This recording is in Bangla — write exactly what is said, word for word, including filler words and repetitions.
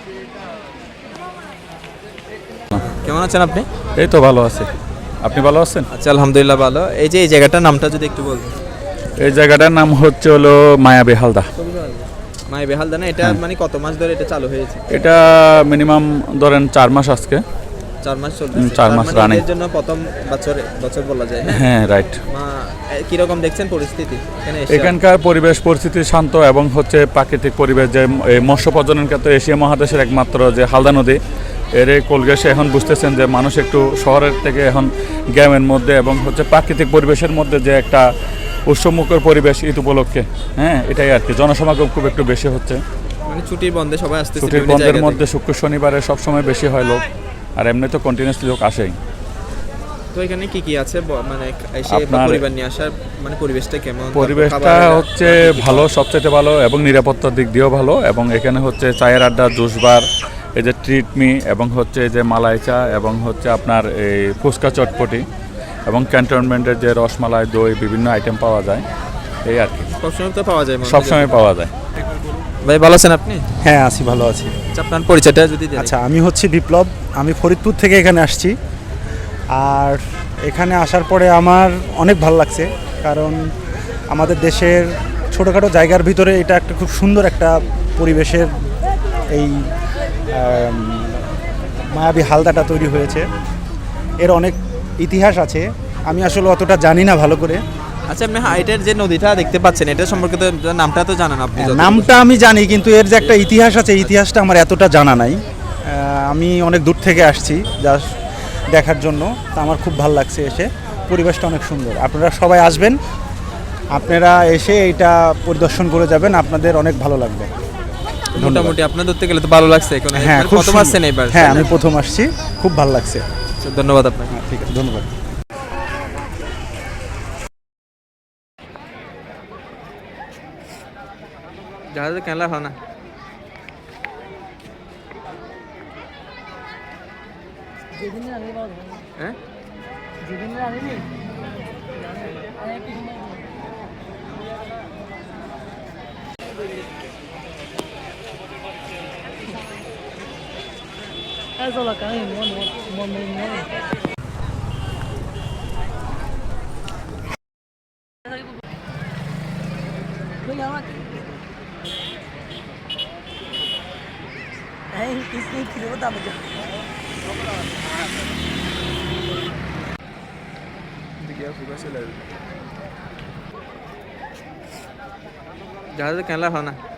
কেমন আছেন আপনি? এই তো ভালো আছে। আপনি ভালো আছেন? আচ্ছা, আলহামদুলিল্লাহ ভালো। এই যে এই জায়গাটার নামটা যদি একটু বলতেন। এই জায়গাটার নাম হচ্ছে হলো মায়াবী হালদা। মায়াবী হালদা না? এটা মানে কত মাস ধরে এটা চালু হয়েছে? এটা মিনিমাম ধরেন চার মাস আজকে। চার মাস চলতেছে। চার মাস রানিং। এর জন্য প্রথম বছর বছর বলা যায়। হ্যাঁ, রাইট। কি রকম দেখছেন পরিস্থিতি এখানে এসে? এখানকার পরিবেশ পরিস্থিতি শান্ত এবং হচ্ছে প্রাকৃতিক পরিবেশ, যে এই মৎস্য প্রজনন ক্ষেত্রে এশিয়া মহাদেশের একমাত্র যে হালদা নদী, এর এই কোলগেসে এখন বুঝতেছেন যে মানুষ একটু শহরের থেকে এখন গ্রামের মধ্যে এবং হচ্ছে প্রাকৃতিক পরিবেশের মধ্যে যে একটা উৎসবমুখর পরিবেশ ঈদ উপলক্ষে, হ্যাঁ এটাই আর কি। জনসমাগম খুব একটু বেশি হচ্ছে, মানে ছুটির বন্ধে সবাই আসতেছে। ছুটির বন্ধের মধ্যে শুক্র শনিবারে সবসময় বেশি হয় লোক, আর এমনি তো কন্টিনিউসলি লোক আসেই। তো এখানে কি কি আছে মানে এসে পরিবার নিয়ে আসার মানে পরিবেশটা কেমন? পরিবেশটা হচ্ছে ভালো, সবচেয়ে ভালো এবং নিরাপত্তার দিক দিয়েও ভালো। এবং এখানে হচ্ছে চায়ের আড্ডা, জুস বার, এই যে ট্রিটমি এবং হচ্ছে এই যে মালাই চা এবং হচ্ছে আপনার এই ফুচকা চটপটি এবং ক্যান্টনমেন্টের যে রসমালাই, দই, বিভিন্ন আইটেম পাওয়া যায়, এই আর কি। সবসময় তো পাওয়া যায়? সবসময় পাওয়া যায়। ভাই ভালো আছেন আপনি? হ্যাঁ আছি, ভালো আছি। আচ্ছা, আপনার পরিচয়টা যদি দেন। আচ্ছা, আমি হচ্ছি বিপ্লব, আমি ফরিদপুর থেকে এখানে আসছি। আর এখানে আসার পরে আমার অনেক ভালো লাগছে, কারণ আমাদের দেশের ছোটোখাটো জায়গার ভিতরে এটা একটা খুব সুন্দর একটা পরিবেশের এই মায়াবী হালদাটা তৈরি হয়েছে। এর অনেক ইতিহাস আছে, আমি আসলে অতটা জানি না ভালো করে। আচ্ছা, আপনি হাইটের যে নদীটা দেখতে পাচ্ছেন, এটা সম্পর্কে তো নামটা তো জানেন আপনি? নামটা আমি জানি, কিন্তু এর যে একটা ইতিহাস আছে, ইতিহাসটা আমার এতটা জানা নাই। আমি অনেক দূর থেকে আসছি জাস্ট দেখার জন্য, তা আমার খুব ভালো লাগছে এসে। পরিবেশটা অনেক সুন্দর, আপনারা সবাই আসবেন, আপনারা এসে এইটা পরিদর্শন করে যাবেন, আপনাদের অনেক ভালো লাগবে। মোটামুটি আপনার ধরতে গেলে তো ভালো লাগছে। হ্যাঁ, প্রথম আসছেন এবার? হ্যাঁ, আমি প্রথম আসছি, খুব ভালো লাগছে। ধন্যবাদ আপনাকে। ঠিক আছে, ধন্যবাদ। জাহাজে কেনলা হয় না? হ্যাঁ, জাহাজে কেনলা হয় না?